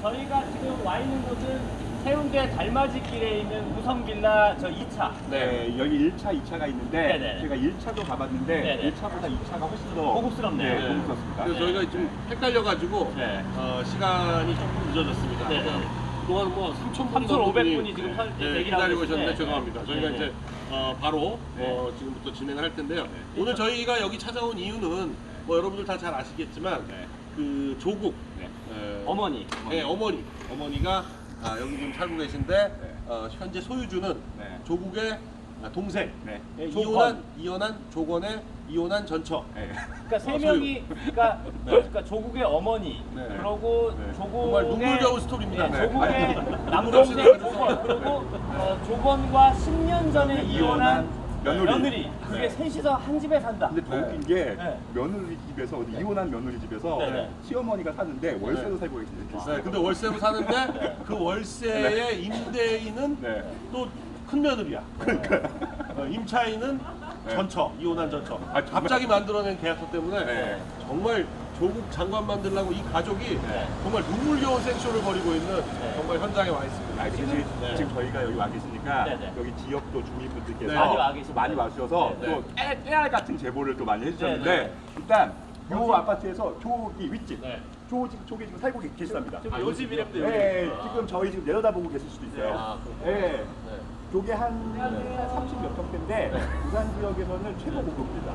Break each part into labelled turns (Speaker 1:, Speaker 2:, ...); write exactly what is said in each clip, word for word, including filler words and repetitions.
Speaker 1: 저희가 지금 와 있는 곳은 해운대 달맞이길에 있는 우성빌라 저 이 차.
Speaker 2: 네, 여기 일 차, 이 차가 있는데
Speaker 1: 네네.
Speaker 2: 제가 일 차도 가봤는데
Speaker 1: 네네.
Speaker 2: 일 차보다 이 차가 훨씬 더
Speaker 1: 고급스럽네요.
Speaker 2: 네, 고급스럽습니다.
Speaker 3: 그래서 저희가 좀 헷갈려가지고
Speaker 1: 네.
Speaker 3: 어, 시간이 조금 늦어졌습니다.
Speaker 1: 네네.
Speaker 3: 그동안 뭐 삼천 분
Speaker 1: 삼천오백
Speaker 3: 정도
Speaker 1: 분이 지금 설-
Speaker 3: 네,
Speaker 1: 대기를
Speaker 3: 기다리고
Speaker 1: 하고
Speaker 3: 계셨는데
Speaker 1: 있는데.
Speaker 3: 죄송합니다. 저희가
Speaker 1: 네네.
Speaker 3: 이제 어, 바로
Speaker 2: 네.
Speaker 3: 어, 지금부터 진행을 할 텐데요. 오늘 저희가 여기 찾아온 이유는 뭐 여러분들 다 잘 아시겠지만
Speaker 2: 네.
Speaker 3: 그 조국
Speaker 2: 네.
Speaker 3: 에,
Speaker 1: 어머니.
Speaker 3: 네, 어머니 어머니가 아, 여기 지금 살고 계신데
Speaker 2: 네.
Speaker 3: 어, 현재 소유주는
Speaker 2: 네.
Speaker 3: 조국의 아, 동생
Speaker 2: 네.
Speaker 3: 예,
Speaker 1: 조건.
Speaker 3: 이혼한 이혼한 조건의 이혼한 전처.
Speaker 2: 네.
Speaker 1: 그러니까 세
Speaker 3: 어,
Speaker 1: 명이 그러니까, 그러니까 조국의 어머니
Speaker 3: 네.
Speaker 1: 그리고
Speaker 2: 네.
Speaker 1: 조국의
Speaker 3: 정말 눈물겨운 스토리입니다.
Speaker 1: 네,
Speaker 2: 네.
Speaker 1: 조국의
Speaker 3: 아니,
Speaker 1: 남동생
Speaker 3: 눈물
Speaker 1: 조건 그리고 어, 조건과 십 년 전에 이혼한
Speaker 2: 며느리.
Speaker 1: 며느리 그게
Speaker 2: 네.
Speaker 1: 셋이서 한 집에 산다.
Speaker 2: 근데 더
Speaker 3: 네.
Speaker 2: 웃긴 게
Speaker 1: 네.
Speaker 2: 며느리 집에서 어디 이혼한 며느리 집에서
Speaker 1: 네, 네.
Speaker 2: 시어머니가 사는데 월세로
Speaker 3: 네.
Speaker 2: 살고 계시는
Speaker 3: 네, 근데 월세로 사는데 그 월세의 임대인은
Speaker 2: 네.
Speaker 3: 또 큰 며느리야. 어, 임차인은
Speaker 2: 네.
Speaker 3: 전처, 이혼한 전처.
Speaker 2: 아, 정말?
Speaker 3: 갑자기 만들어낸 계약서 때문에
Speaker 2: 네.
Speaker 3: 정말 조국 장관 만들려고 이 가족이
Speaker 2: 네.
Speaker 3: 정말 눈물겨운 생쇼를 벌이고 있는 정말 현장에 와 있습니다.
Speaker 2: 아, 지금,
Speaker 3: 네.
Speaker 2: 지금 저희가 여기 와 계시니까
Speaker 1: 네, 네.
Speaker 2: 여기 지역도 주민분들께서
Speaker 3: 네.
Speaker 1: 많이 와 계십니다.
Speaker 2: 많이 와주셔서
Speaker 1: 네,
Speaker 3: 네.
Speaker 2: 또 깨, 깨알 같은 제보를 또 많이 해주셨는데
Speaker 1: 네, 네.
Speaker 2: 일단 요 아파트에서 저기 윗집
Speaker 3: 네.
Speaker 2: 저 집 쪽에 지금 살고 계- 계시답니다.
Speaker 1: 지금
Speaker 3: 아,
Speaker 1: 요
Speaker 3: 요
Speaker 1: 집
Speaker 3: 집이요?
Speaker 1: 이름도
Speaker 2: 네,
Speaker 1: 여기.
Speaker 2: 지금 저희 지금 내려다보고 계실 수도 있어요.
Speaker 3: 아,
Speaker 2: 네.
Speaker 3: 네.
Speaker 2: 요게 한 삼십 몇 평대인데 부산 지역에서는 최고 고급입니다.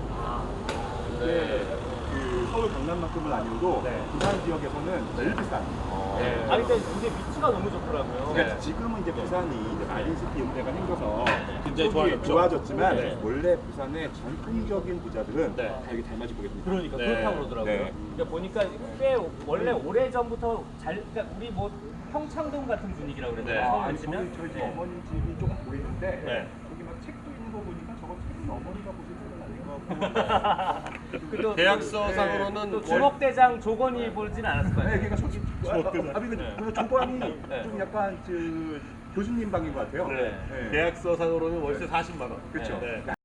Speaker 2: 네. 그 서울 강남만큼은 아니어도
Speaker 1: 네.
Speaker 2: 부산 지역에서는 제일 비싼.
Speaker 3: 네.
Speaker 1: 아니 근데 이제 위치가 너무 좋더라고요.
Speaker 2: 그러니까 지금은 이제 부산이 이제 마린시티 일대가 생겨서
Speaker 3: 굉장히
Speaker 2: 쪽이
Speaker 3: 좋아졌죠.
Speaker 2: 좋아졌지만
Speaker 1: 네.
Speaker 2: 원래 부산의 전통적인 부자들은
Speaker 3: 네.
Speaker 2: 다 여기 닮아질 거겠습니다.
Speaker 1: 그러니까
Speaker 3: 네.
Speaker 1: 그렇다고 그러더라고요.
Speaker 2: 네.
Speaker 1: 그러니까 보니까 꽤 원래 오래 전부터 잘 그러니까 우리 뭐 평창동 같은 분위기라고 그랬나요?
Speaker 3: 네.
Speaker 2: 아,
Speaker 1: 서울
Speaker 2: 아니 저희
Speaker 1: 치면?
Speaker 2: 저희 집
Speaker 1: 네.
Speaker 2: 어머니 집이 조금 보이는데
Speaker 3: 네.
Speaker 2: 저기 막 책도 있는 거 보니까 저거 책은 어머니가 보실 책은 아닌 것 같고.
Speaker 1: 그 또-
Speaker 3: 계약서상으로는
Speaker 1: 또 주먹대장 조건이 보진 않았을 거
Speaker 2: 네,
Speaker 1: 아니에요.
Speaker 2: 그러니까 솔직히 아, 아, 아, 그 조건이
Speaker 1: 네.
Speaker 2: 좀 약간 그 교수님 방인 것 같아요.
Speaker 3: 네.
Speaker 2: 네.
Speaker 3: 계약서상으로는 월세 사십만 원.
Speaker 2: 그렇죠.
Speaker 3: 네.